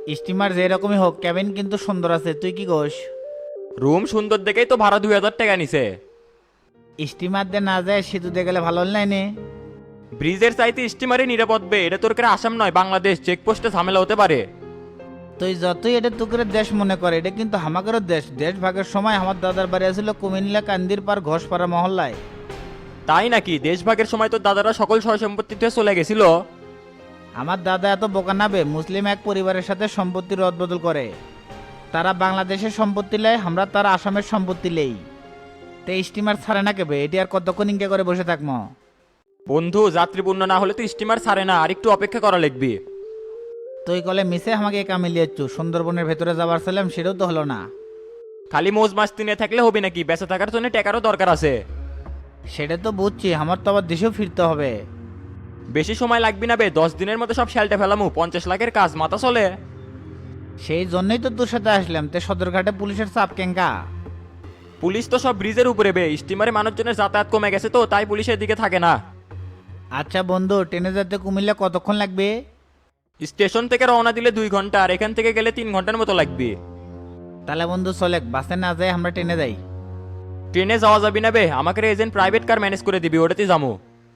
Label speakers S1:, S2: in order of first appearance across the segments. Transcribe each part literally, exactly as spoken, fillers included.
S1: Steamer যেরকমই হোক cabin কিন্তু সুন্দর আছে, তুই কি কোস?
S2: রুম সুন্দর দেখেই তো ভাড়া দুই হাজার টাকা নিছে।
S1: স্টিমার দিয়ে না যায় সেতু দিয়ে গেলে ভালো হল নাই?
S2: ব্রিজের চাইতে স্টিমারই নিরাপদ বে, এটা তোর করে আসাম নয় বাংলাদেশ, চেকপোস্টে ঝামেলা হতে পারে।
S1: তুই যতই এটা তুকের দেশ মনে করে, এটা কিন্তু হামাকেরও দেশ। দেশ ভাগের সময় আমার দাদার বাড়ি আছিল কুমিল্লা কান্দির পার ঘোষপাড়া মহল্লায়।
S2: তাই নাকি? দেশভাগের সময় তো দাদারা সকল সয় সম্পত্তিতে চলে গেছিল।
S1: আমার দাদা এত বোকা নাবে, মুসলিম এক পরিবারের সাথে সম্পত্তি রদবদল করে। তারা বাংলাদেশের সম্পত্তি লেয়, আমরা তারা আসামের সম্পত্তি লেই। তে স্টিমার ছাড়ে না কেবে, এটি আর কতক্ষণ ইনকে করে বসে থাকবো?
S2: বন্ধু, যাত্রীপূর্ণ না হলে তো স্টিমার ছাড়ে না, আর একটু অপেক্ষা করা লাগবে।
S1: তুই কলে মিশে আমাকে একা মিলিয়েছু, সুন্দরবনের ভেতরে যাবার ছিলাম সেটাও তো হলো না।
S2: খালি মোজ মাছ তিনে থাকলে হবে নাকি? বেঁচে থাকার জন্য টাকারও দরকার আছে।
S1: সেটা তো বুঝছি, আমার তো আবার দেশেও ফিরতে হবে।
S2: বেশি সময় লাগবে না বে, দশ দিনের মধ্যে সব শেলটা ফেলামু, পঞ্চাশ লাখের কাজ, মাথা চলে।
S1: সেই জন্যই তো তোর সাথে আসলাম। তে সদরঘাটে পুলিশের চাপ কেঙ্কা?
S2: পুলিশ তো সব ব্রিজের উপরে বে, স্টিমারে মানুষজনের যাতায়াত কমে গেছে তো তাই পুলিশের দিকে থাকে না।
S1: আচ্ছা বন্ধু, ট্রেনে যেতে কুমিল্লা কতক্ষণ লাগবে?
S2: স্টেশন থেকে রওনা দিলে দুই ঘন্টা, আর এখান থেকে গেলে তিন ঘন্টার মতো লাগবে।
S1: তাহলে বন্ধু চলে, বাসে না যাই আমরা ট্রেনে যাই।
S2: ট্রেনে যাওয়া যাবি না বে, আমাকে এজেন্ট প্রাইভেট কার ম্যানেজ করে দিবি, ওটাতে যাবো।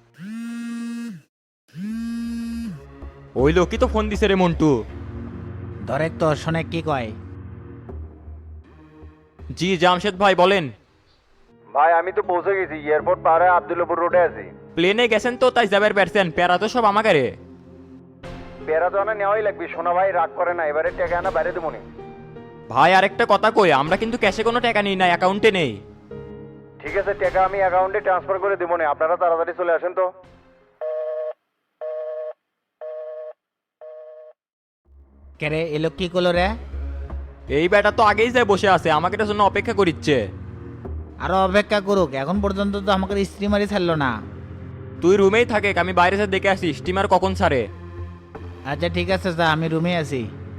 S2: ওই লোকই তো ফোন দিছে রে মন্টু।
S1: ধরে তো শোনে কি কয়।
S2: জি জামশেদ ভাই বলেন।
S3: ভাই আমি তো পৌঁছে গেছি, এয়ারপোর্ট পার হয়ে আবদুল্লাপুর রোডে আছি।
S2: প্লেনে গেছেন তো তাই যাবার পারছেন, প্যারা তো সব আমাকে রে।
S3: পেরা তো আনা নেওয়াই লাগবে, সোনা ভাই রাগ করে না, এবারে টাকা আনা বাইরে দেবো নি।
S2: ভাই আরেকটা কথা কই, আমরা কিন্তু ক্যাশে কোনো টাকা নিই না, অ্যাকাউন্টে নেই।
S3: ঠিক আছে, টাকা আমি অ্যাকাউন্টে ট্রান্সফার করে দেবো নি, আপনারা তাড়াতাড়ি চলে আসেন তো।
S1: কেরে এলো কি করলো রে?
S2: এই বেটা তো আগেই যায় বসে আছে, আমাকে এটার জন্য অপেক্ষা করিচ্ছে।
S1: আরো অপেক্ষা করুক, এখন পর্যন্ত তো আমাকে স্ত্রীমারি ছাড়লো না।
S2: তুই রুমেই থাকে, আমি বাইরে থেকে দেখে আসি স্টিমার কখন ছাড়ে।
S1: আচ্ছা ঠিক আছে, যা, আমি রুমে আছি।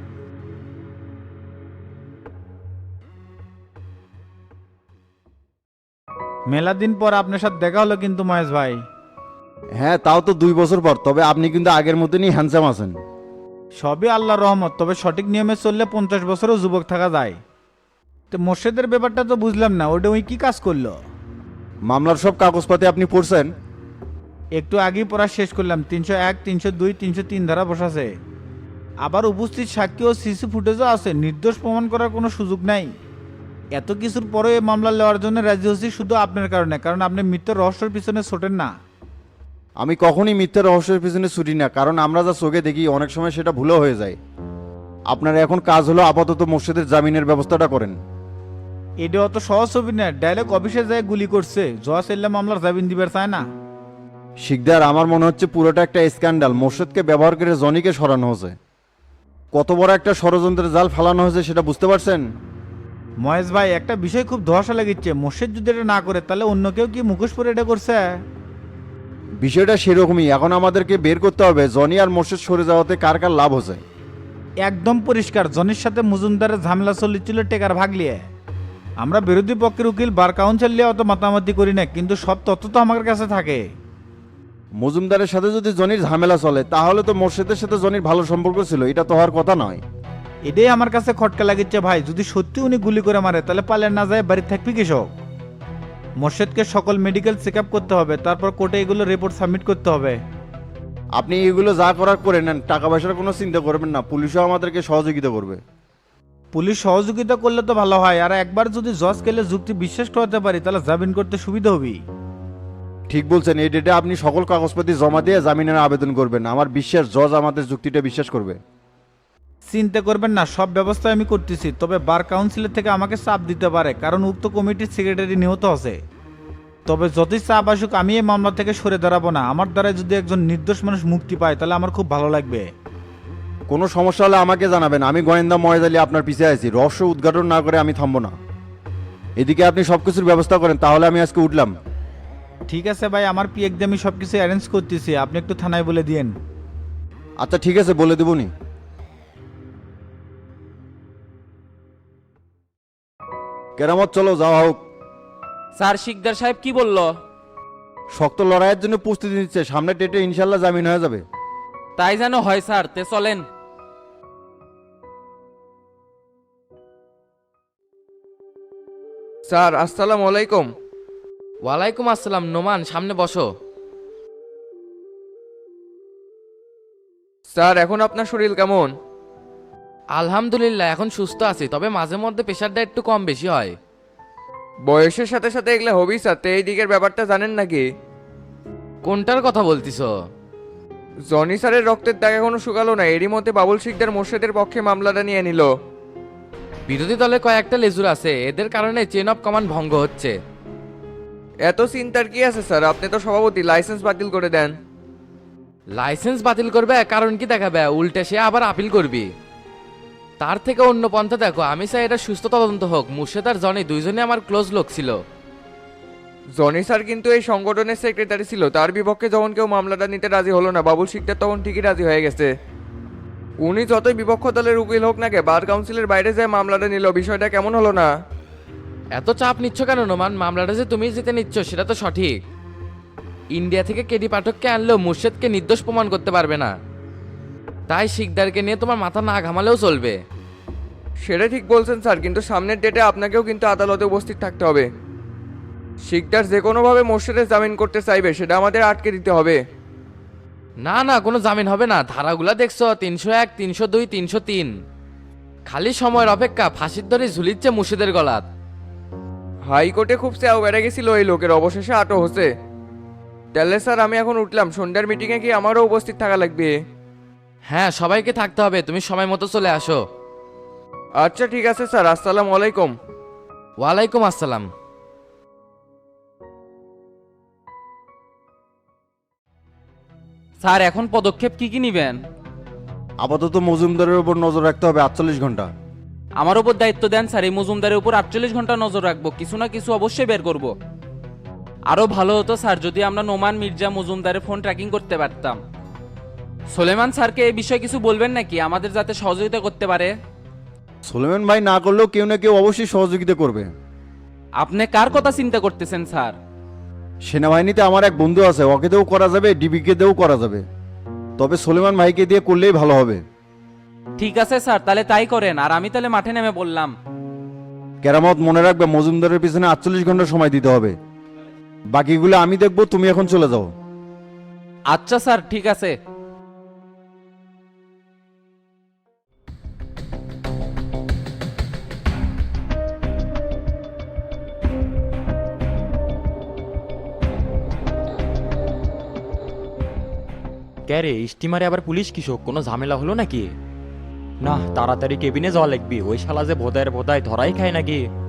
S4: মেলা দিন পর আপনার সাথে দেখা হলো কিন্তু মহেশ ভাই।
S5: হ্যাঁ, তাও তো দুই বছর পর, তবে আপনি কিন্তু আগের মতনই হ্যান্ডসাম আছেন।
S4: সবই আল্লাহর রহমত, তবে সঠিক নিয়মে চললে পঞ্চাশ বছরও যুবক থাকা যায়। তো মোর্শেদের ব্যাপারটা তো বুঝলাম না, ওটা ওই কি কাজ করলো?
S5: মামলার সব কাগজপাতি আপনি পড়ছেন?
S4: একটু আগেই পড়া শেষ করলাম। তিনশো এক তিনশো দুই তিনশো তিন ধারা বসাছে। আবার উপস্থিত সাক্ষী ও সিসি ফুটেজও আছে, নির্দোষ প্রমাণ করার কোনো সুযোগ নাই। এত কিছুর পরে এই মামলা নেওয়ার জন্য রাজি হচ্ছি শুধু আপনার কারণে, কারণ আপনি মৃত্যুর রহস্যের পিছনে ছোটেন না।
S5: আমি কখনই মিথ্যা রহস্যের পিছনে ছুটি না, কারণ আমরা যা চোখে দেখি অনেক সময় সেটা ভুলও হয়ে যায়। আপনার এখন কাজ হলো আপাতত মোর্শেদের জামিনের ব্যবস্থাটা করেন।
S4: এটা অত সহজ ছবি না, ডাইরেক্ট অফিসে যায় গুলি করছে, জয়া সেল্লা মামলার জামিন দিবার চায় না।
S5: শিকদার, আমার মনে হচ্ছে পুরোটা একটা স্ক্যান্ডাল। মোর্শেদকে ব্যবহার করে জনিকে সরানো হয়েছে। কত বড় একটা ষড়যন্ত্রের জাল ফালানো হয়েছে সেটা বুঝতে পারছেন?
S4: মহেশ ভাই, একটা বিষয় খুব ধোঁয়াশা লাগিচ্ছে। মোর্শেদ যদি এটা না করে তাহলে অন্য কেউ কি মুখোশ পরে এটা করছে?
S5: বিষয়টা সেরকমই। এখন আমাদেরকে বের করতে হবে জনি আর মোর্শেদ সরে যাওয়াতে কার কার লাভ হচ্ছে।
S4: একদম পরিষ্কার, জনির সাথে মজুমদারের ঝামেলা চলিছিল টেকার ভাগ লিয়ে। আমরা বিরোধী পক্ষের উকিল বার কাউন্সিল নিয়ে অত মাতামাতি করি না, কিন্তু সব তথ্য তো আমার কাছে থাকে।
S5: মজুমদারের সাথে যদি জনির ঝামেলা চলে তাহলে তো মোর্শেদের সাথে জনির ভালো সম্পর্ক ছিল, এটা তো হওয়ার কথা নয়।
S4: এটাই আমার কাছে খটকা লাগিচ্ছে ভাই। যদি সত্যি উনি গুলি করে মারে তাহলে পালে না যায় বাড়ি থাকবি কৃষক। মোর্শেদকে সকল মেডিকেল চেক আপ করতে হবে, তারপর কোর্টে এগুলো রিপোর্ট সাবমিট করতে হবে।
S5: আপনি এগুলো যা করার করে নেন, টাকা পয়সার কোনো চিন্তা করবেন না, পুলিশও আমাদেরকে সহযোগিতা করবে।
S4: পুলিশ সহযোগিতা করলে তো ভালো হয়, আর একবার যদি জজ কেলে যুক্তি বিশ্বাস করাতে পারি তাহলে জামিন করতে সুবিধা হবে।
S5: ঠিক বলছেন, এই ডেটে আপনি সকল কাগজপাতি জমা দিয়ে জামিনের আবেদন করবেন। আমার বিশ্বাস জজ আমাদের যুক্তিটা বিশ্বাস করবে।
S4: চিন্তা করবেন না, সব ব্যবস্থা আমি করতেছি। তবে বার কাউন্সিলের থেকে আমাকে চাপ দিতে পারে, কারণ উক্ত কমিটির সেক্রেটারি নিহত আছে। তবে যতই চাপ আসুক আমি এই মামলা থেকে সরে দাঁড়াবো না। আমার দ্বারা যদি একজন নির্দোষ মানুষ মুক্তি পায় তাহলে আমার খুব ভালো লাগবে।
S5: কোনো সমস্যা হলে আমাকে জানাবেন, আমি গোয়েন্দা ময়েজ আলী আপনার পিছিয়ে আছি। রহস্য উদ্ঘাটন না করে আমি থামবো না। এদিকে আপনি সব কিছুর ব্যবস্থা করেন, তাহলে আমি আজকে উঠলাম।
S4: ঠিক আছে ভাই, আমার পিএক দিয়ে আমি সব কিছু অ্যারেঞ্জ করতেছি, আপনি একটু থানায় বলে দিয়েন।
S5: আচ্ছা ঠিক আছে, বলে দেবনি। কেরামত চলো, যাওয়া হোক।
S6: স্যার শিকদার সাহেব কি বলল?
S5: শক্ত লড়াইয়ের জন্য প্রস্তুতি নিচ্ছে, সামনে ডেটে ইনশাল্লাহ জামিন হয়ে যাবে।
S6: তাই যেন হয় স্যার, তে চলেন।
S7: স্যার আসসালামু আলাইকুম।
S6: ওয়ালাইকুম আসসালাম। নোমান, সামনে বসো।
S7: স্যার এখন আপনার শরীর কেমন?
S6: আলহামদুলিল্লাহ, এখন সুস্থ আছি, তবে মাঝে মধ্যে প্রেশারটা একটু কম বেশি হয়।
S7: বয়সের সাথে সাথে এগুলো হবি স্যার, তো এই দিকের ব্যাপারটা জানেন নাকি?
S6: কোনটার কথা বলতিছ?
S7: জনি স্যারের রক্তের দাগ এখনো শুকালো না, এরই মধ্যে বাবুল শিকদার মোর্শেদের পক্ষে মামলাটা নিয়ে নিল।
S6: বিরোধী দলে কয়েকটা লেজুর আছে, এদের কারণে চেন অফ কমান্ড ভঙ্গ হচ্ছে।
S7: এত চিন্তার কি আছে স্যার? আপনি তো সভাপতি, লাইসেন্স বাতিল করে দেন।
S6: লাইসেন্স বাতিল করবে কারণ কি দেখাবে? উল্টে সে আবার আপিল করবি। তার থেকে অন্য পন্থা দেখো। আমি চাই এটা সুস্থ তদন্ত হোক। মুর্শেদ আর জনি দুইজনে আমার ক্লোজ লোক ছিল।
S7: জনি স্যার কিন্তু এই সংগঠনের সেক্রেটারি ছিল, তার বিপক্ষে যখন কেউ মামলাটা নিতে রাজি হলো না, বাবুল শিকদার তখন ঠিকই রাজি হয়ে গেছে। উনি যতই বিপক্ষ দলের উকিল হোক না কে, বার কাউন্সিলের বাইরে যায় মামলাটা নিল। বিষয়টা কেমন হলো না?
S6: এত চাপ নিচ্ছ কেন নোমান? মামলাটা যে তুমি জিতে নিচ্ছ সেটা তো সঠিক। ইন্ডিয়া থেকে কেডি পাঠককে আনলেও মুর্শেদকে নির্দোষ প্রমাণ করতে পারবে না। তাই শিকদারকে নিয়ে তোমার মাথা না ঘামালেও চলবে।
S7: সেটা ঠিক বলছেন স্যার, কিন্তু সামনের ডেটে আপনাকেও কিন্তু আদালতে উপস্থিত থাকতে হবে। শিকদার যে কোনোভাবে মোর্শেদের জামিন করতে চাইবে, সেটা আমাদের আটকে দিতে হবে।
S6: না না, কোনো জামিন হবে না। ধারাগুলা দেখছো, তিনশো এক, তিনশো দুই, তিনশো তিন। খালি সময়ের অপেক্ষা, ফাঁসির ধরে ঝুলিচ্ছে মুর্শিদের গলাত।
S7: হাইকোর্টে খুব চেয়াও বেড়ে গেছিল এই লোকের, অবশেষে আটক হচ্ছে। তাহলে স্যার আমি এখন উঠলাম, সন্ধ্যার মিটিংয়ে কি আমারও উপস্থিত থাকা লাগবে?
S6: হ্যাঁ, সবাইকে থাকতে হবে। তুমি সময় মতো চলে আসো।
S7: আচ্ছা ঠিক আছে স্যার, আসসালামু আলাইকুম।
S6: ওয়ালাইকুম আসসালাম।
S8: স্যার এখন পদক্ষেপ কি কি নিবেন?
S5: আপাতত মজুমদারের উপর নজর রাখতে হবে আটচল্লিশ ঘন্টা।
S8: আমার উপর দায়িত্ব দেন স্যার, এই মজুমদারের উপর আটচল্লিশ ঘন্টা নজর রাখবো। কিছু না কিছু অবশ্যই বের করব। আরো ভালো হতো স্যার যদি আমরা নোমান মির্জা মজুমদারের ফোন ট্র্যাকিং করতে পারতাম। সোলেমান স্যারকে এই বিষয়ে কিছু বলবেন নাকি, আমাদের যাতে সহযোগিতা করতে পারে?
S5: সুলেমান ভাই না করলেও কেউ না কেউ অবশ্যই সহযোগিতা করবে।
S8: আপনি কার কথা চিন্তা করতেছেন স্যার?
S5: সেনাবাহিনীতে আমার এক বন্ধু আছে, ওকে দিয়েও করা যাবে, ডিবিকে দিয়েও করা যাবে। তবে সুলেমান ভাইকে দিয়ে করলেই ভালো হবে।
S8: ঠিক আছে স্যার, তাহলে তাই করেন। আর আমি তাহলে মাঠে নেমে বললাম।
S5: কেরামত মনে রাখবে, মজুমদারের পিছনে আটচল্লিশ ঘন্টা সময় দিতে হবে। বাকিগুলো আমি দেখবো, তুমি এখন চলে যাও।
S8: আচ্ছা স্যার, ঠিক আছে।
S2: কে রে, স্টিমারে আবার পুলিশ কিসব? কোনো ঝামেলা হলো নাকি? না, তাড়াতাড়ি কেবিনে যাওয়া লাগবি। ওই শালা যে ভোদায়ের ভোদায় ধরাই খায় নাকি।